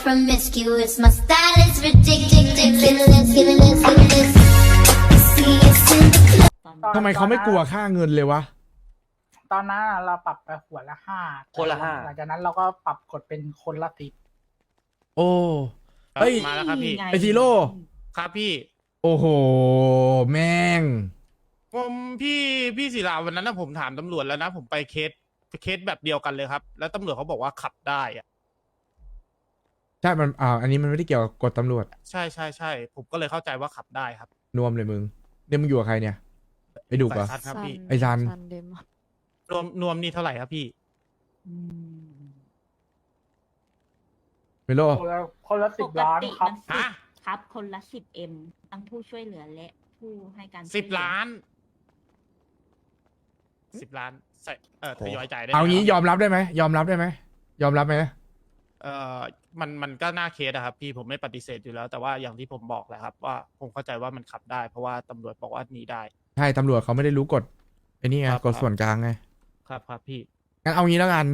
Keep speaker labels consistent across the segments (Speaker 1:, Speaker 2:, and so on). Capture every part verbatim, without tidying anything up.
Speaker 1: promiscuous. My style is ridiculous. Feelings, feelings, feelings. See us in the club.
Speaker 2: ทำไมเขาไม่กลัวค่าเงินเลยวะ
Speaker 3: ตอนนั้นเราปรับไปหัวละห้า
Speaker 4: คนละห้า
Speaker 3: หลังจากนั้นเราก็ปรับกดเป็นคนละสิบ
Speaker 2: โอ้เฮ้ย
Speaker 5: มาแล้วครับพี่
Speaker 2: ไอซีโร่
Speaker 5: ครับพี่
Speaker 2: โอ้โหแม่ง
Speaker 5: ผมพี่พี่ศิลาวันนั้นนะผมถามตำรวจแล้วนะ ผมไปเคสเคสแบบเดียวกันเลยครับ แล้วตำรวจเขาบอกว่าขับได้อะ
Speaker 2: ใช่มันอ่าอันนี้มันไม่ได้เกี่ยวกับกฎตำรวจ
Speaker 5: ใช่ใช่ใช่ผมก็เลยเข้าใจว่าขับได้ครับ
Speaker 2: นวมเลยมึงเนี่ยมึงอยู่กับใครเนี่ยไอดุกเหรอ
Speaker 5: สายคัดครับพี่
Speaker 2: ไอ้ซัน
Speaker 6: เดมอะ
Speaker 5: รวมนวมนี่เท่าไหร่ครับพี่
Speaker 6: อืม
Speaker 2: เมโล
Speaker 3: คนละคนละสิบล้านครับ
Speaker 5: ฮะ
Speaker 7: ครับคนละสิบเอ็มทั้งผู้ช่วยเหลือและผู้ให้การ
Speaker 5: สิบ
Speaker 7: ช่วยเหอ
Speaker 5: ล้านสิบล้านใส่เออทยอยจ่ายได้ไหม
Speaker 2: เอางี้
Speaker 5: ครับ
Speaker 2: ยอมรับได้ไหมยอมรับได้ไหมยอมรับไหม
Speaker 5: เออมันมันก็น่าเคสอะครับพี่ผมไม่ปฏิเสธอยู่แล้ว แต่ว่าอย่างที่ผมบอกแหละครับ ว่าผมเข้าใจว่ามันขับได้ เพราะว่าตำรวจบอกว่าหนีได้
Speaker 2: ใช่ตำรวจเขาไม่ได้รู้กฎไอ้นี่ไง
Speaker 5: ครับ
Speaker 2: กฎส่วนกลางไง
Speaker 5: ครับครับพี่
Speaker 2: งั้นเอางี้แล้วกัน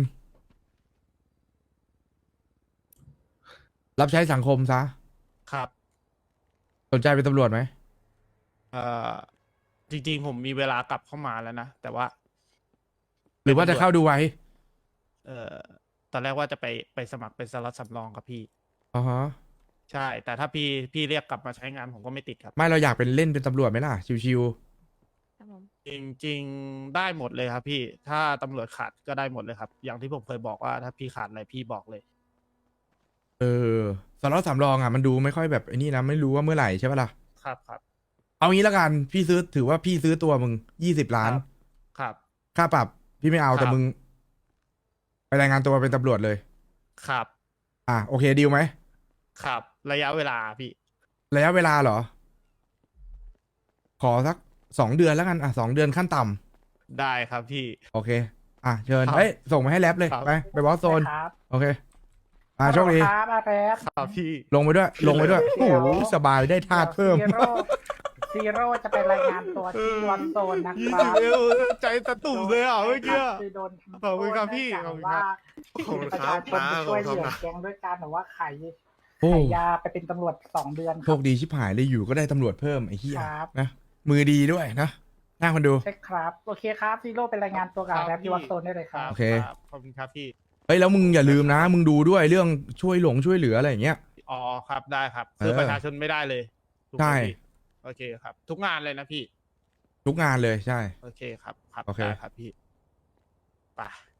Speaker 2: รับใช้สังคมซะ
Speaker 5: ครับ
Speaker 2: สนใจเป็นตำรวจไหม
Speaker 5: เอ่อจริงๆ ผมมีเวลากลับเข้ามาแล้วนะ แต่ว่า
Speaker 2: หรือว่าจะเข้าดูไว้
Speaker 5: เอ่อตอนแรกว่าจะไปไปสมัครเป็นสล็อตสำรองครับพี่
Speaker 2: อ๋อฮะ
Speaker 5: ใช่ แต่ถ้าพี่พี่เรียกกลับมาใช้งานผมก็ไม่ติดครับ
Speaker 2: ไม่เราอยากเป็นเล่นเป็นตำรวจไหมล่ะ ชิว
Speaker 6: ครับผม
Speaker 5: จริงๆ ได้หมดเลยครับพี่ ถ้าตำรวจขาดก็ได้หมดเลยครับ อย่างที่ผมเคยบอกว่าถ้าพี่ขาดอะไรพี่บอกเลย
Speaker 2: ๆ เออสล็อตสำรองอ่ะมันดูไม่ค่อยแบบไอ้นี่นะไม่รู้ว่าเมื่อไหร่ใช่ปะล่ะ
Speaker 5: ครับครับ
Speaker 2: เอางี้แล้วกันพี่ซื้อถือว่าพี่ซื้อตัวมึงยี่สิบล้าน
Speaker 5: ครับ
Speaker 2: ค่าปรับพี่ไม่เอา
Speaker 5: ครับ
Speaker 2: แต่มึง ไปรายงานตัวเป็นตำรวจเลย
Speaker 5: ครับ
Speaker 2: อ่ะโอเคดีลไหม
Speaker 5: ครับ ระยะเวลาพี่
Speaker 2: ระยะเวลาเหรอ ขอสักสองเดือนแล้วกันอ่ะสองเดือนขั้นต่ำ
Speaker 5: ได้ครับพี่
Speaker 2: โอเค อ่ะเชิญ
Speaker 5: ครับ
Speaker 2: เฮ้ยส่งมาให้แรปเลย
Speaker 5: ครับ
Speaker 2: ไปไปบอสโซน
Speaker 3: ครับ
Speaker 2: โอเค อ่ะโชคดี
Speaker 3: ครับอาแรป
Speaker 5: ครับพี่
Speaker 2: ลงไปด้วย ลงไปด้วย
Speaker 3: เดี๋
Speaker 2: โอ้
Speaker 3: ยว
Speaker 2: โหสบายได้ธาตุเพิ่ม
Speaker 3: ซีโร่ซีโร่จะไปรายงานตัวที่วันโซนนะ
Speaker 5: ยี่
Speaker 3: ค
Speaker 5: สิ
Speaker 3: รั
Speaker 5: บบ เอวใจตะตุ่มเลยอ่ะเมื่อกี้
Speaker 3: คือโดนทำโทษ
Speaker 5: ขอบคุณครับพี่
Speaker 3: เนื่อง
Speaker 5: ขอบ
Speaker 3: จาก
Speaker 5: คุณครั
Speaker 3: ว่า
Speaker 5: บ
Speaker 3: ประชาชนไปช่วยเหลือแก๊งด้วยการแบบว่าขาย
Speaker 2: โอ้
Speaker 3: ขายยาไปเป็นตำรวจสองเดือนค
Speaker 2: โช
Speaker 3: รับ
Speaker 2: คดีชิบหายเลยอยู่ก็ได้ตำรวจเพิ่มไอ้เหี้ย
Speaker 3: ครับ
Speaker 2: นะมือดีด้วยนะหน้าคนดู
Speaker 3: ใช่ครับโอเคครับซีโร่ไปรายงานตัวกับอาแรปที่วันโซนได้เลยครับ
Speaker 2: โอเค
Speaker 5: รับขอบคุณครับพี่
Speaker 2: เฮ้ยแล้วมึงอย่าลืมนะ มึงดูด้วยเรื่องช่วยหลงช่วยเหลืออะไรอย่างเงี้ย
Speaker 5: อ๋อครับได้ครับคือ
Speaker 2: เออ
Speaker 5: ประชาชนไม่ได้เลยถูกไหม
Speaker 2: ใช่
Speaker 5: พี่โอเคครับ ทุกงานเลยนะพี่
Speaker 2: ทุกงานเลยใช่
Speaker 5: โอเคครับครับ
Speaker 2: โอเค
Speaker 5: ได้ครับพี่ไป